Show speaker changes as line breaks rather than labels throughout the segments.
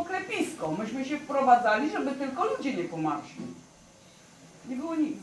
klepisko. Myśmy się wprowadzali, żeby tylko ludzie nie pomarszli. Nie było nic.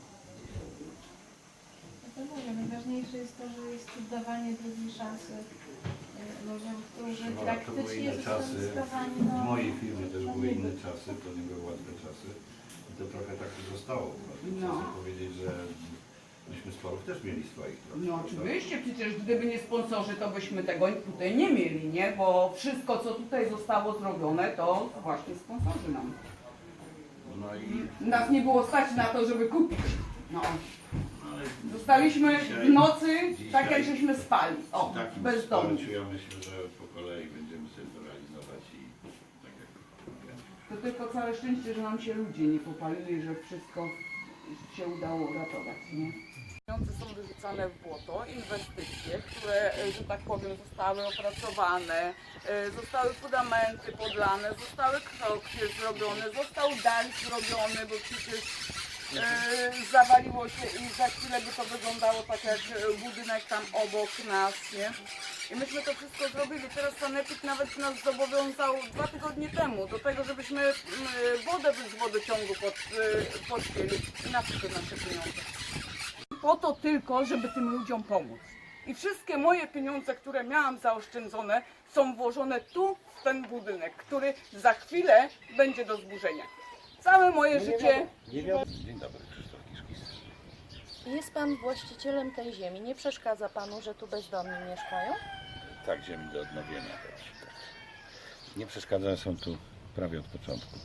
Najważniejsze jest to, że jest dawanie drugiej szansy ludziom, którzy praktycznie zostali skazani.
W mojej firmie też były inne czasy, to nie były łatwe czasy. I to trochę tak zostało. Chcę powiedzieć, że myśmy sporów też mieli swoich. Trochę,
No oczywiście, przecież gdyby nie sponsorzy, to byśmy tego tutaj nie mieli, nie? Bo wszystko, co tutaj zostało zrobione, to właśnie sponsorzy nam.
No i
Nas nie było stać na to, żeby kupić. No.
ale
Zostaliśmy w nocy, tak jak
dzisiaj
żeśmy spali. O,
przy takim
bezdomni.
wsparciu ja myślę, że po kolei będziemy sobie to realizować i tak jak mówiłem.
To tylko całe szczęście, że nam się ludzie nie popalili, że wszystko się udało uratować, nie? Pieniądze są wyrzucane w błoto, inwestycje, które, że tak powiem, zostały opracowane, zostały fundamenty podlane, zostały krokwie zrobione, został dach zrobiony, bo przecież zawaliło się i za chwilę by to wyglądało tak jak budynek tam obok nas, nie? I myśmy to wszystko zrobili. Teraz sanepid nawet nas zobowiązał 2 tygodnie temu do tego, żebyśmy wodę z wodociągu podpięli. I na co te nasze pieniądze? Po to tylko, żeby tym ludziom pomóc. I wszystkie moje pieniądze, które miałam zaoszczędzone, są włożone tu, w ten budynek, który za chwilę będzie do zburzenia. Całe moje życie...
Dzień dobry, Krzysztof Kiszkis.
Jest pan właścicielem tej ziemi. Nie przeszkadza panu, że tu bezdomni mieszkają?
Tak, ziemi do odnowienia też. Tak. Nie przeszkadza, są tu prawie od początku.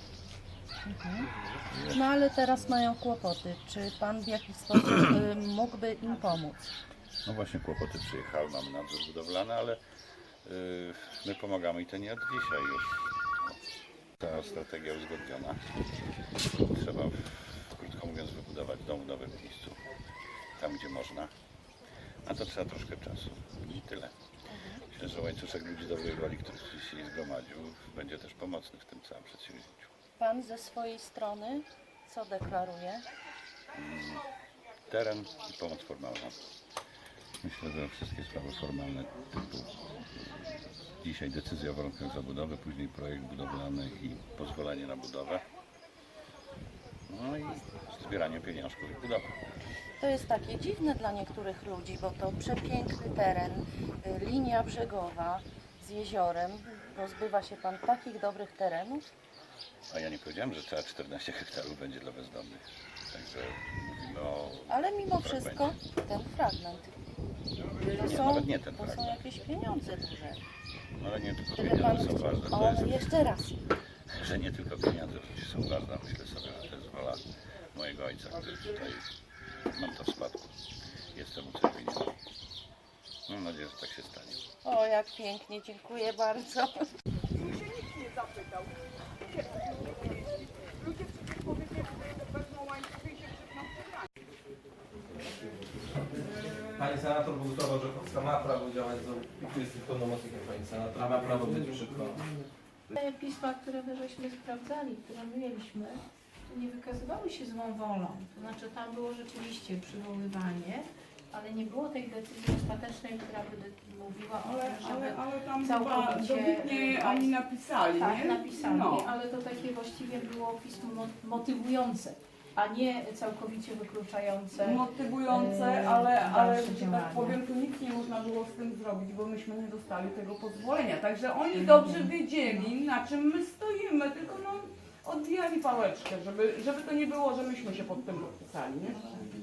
No ale teraz mają kłopoty. Czy pan w jakiś sposób mógłby im pomóc?
No właśnie kłopoty przyjechały, mamy nadzór budowlany, ale my pomagamy i to nie od dzisiaj już. Ta strategia uzgodniona. Trzeba, krótko mówiąc, wybudować dom w nowym miejscu, tam gdzie można. A to trzeba troszkę czasu i tyle. Myślę, że łańcuszek ludzi dobrej woli, który się zgromadził, będzie też pomocny w tym całym przedsięwzięciu.
Pan ze swojej strony co deklaruje?
Teren i pomoc formalna. Myślę, że wszystkie sprawy formalne typu dzisiaj decyzja o warunkach zabudowy, później projekt budowlany i pozwolenie na budowę. No i zbieranie pieniążków i budowa.
To jest takie dziwne dla niektórych ludzi, bo to przepiękny teren, linia brzegowa z jeziorem. Pozbywa się pan takich dobrych terenów?
A ja nie powiedziałem, że cała 14 hektarów będzie dla bezdomnych. Także mówimy o...
Ale mimo wszystko ten fragment. To
nawet nie ten
są
fragment.
jakieś pieniądze duże.
No ale nie tylko
Gdyby
pieniądze
pan...
są ważne. To
O,
jest,
jeszcze raz.
że nie tylko pieniądze są ważne. Myślę sobie, że to jest wola mojego ojca, który tutaj mam to w spadku. Jestem ucierpieniony. Mam nadzieję, że tak się stanie.
O, jak pięknie, dziękuję bardzo.
Nikt się nikt nie zapytał. Ludzie przecież powiedzieli, że wezmą łańcuchy i się przypną
Pani senator Bogusława Rzechowska ma prawo działać, jest pełnomocnikiem pani senator, ma prawo być przy
Te pisma, które my żeśmy sprawdzali, które my mieliśmy, nie wykazywały się złą wolą. To znaczy tam było rzeczywiście przywoływanie, ale nie było tej decyzji ostatecznej, która by mówiła o tym, żeby
ale tam
całkowicie...
dobitnie oni napisali,
tak,
nie?
napisali,
No.
ale to takie właściwie było pismo motywujące, a nie całkowicie wykluczające.
Motywujące, ale
dalsze
że tak
działania.
powiem, tu nic nie można było z tym zrobić, bo myśmy nie dostali tego pozwolenia. Także oni dobrze wiedzieli, na czym my stoimy, tylko no odbijali pałeczkę, żeby to nie było, że myśmy się pod tym podpisali, nie?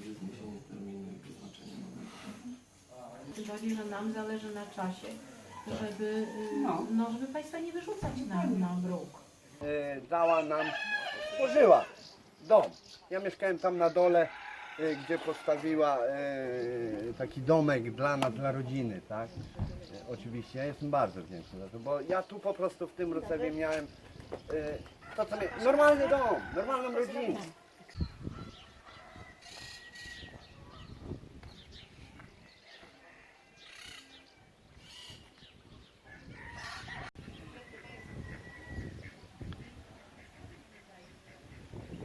Tym bardziej, że nam zależy na czasie, żeby, żeby Państwa nie wyrzucać na bruk.
Dała nam, stworzyła dom. Ja mieszkałem tam na dole, gdzie postawiła taki domek dla nas, dla rodziny, tak? Oczywiście, ja jestem bardzo wdzięczny za to, bo ja tu po prostu w tym Rucewie miałem to, co normalny dom, normalną rodzinę.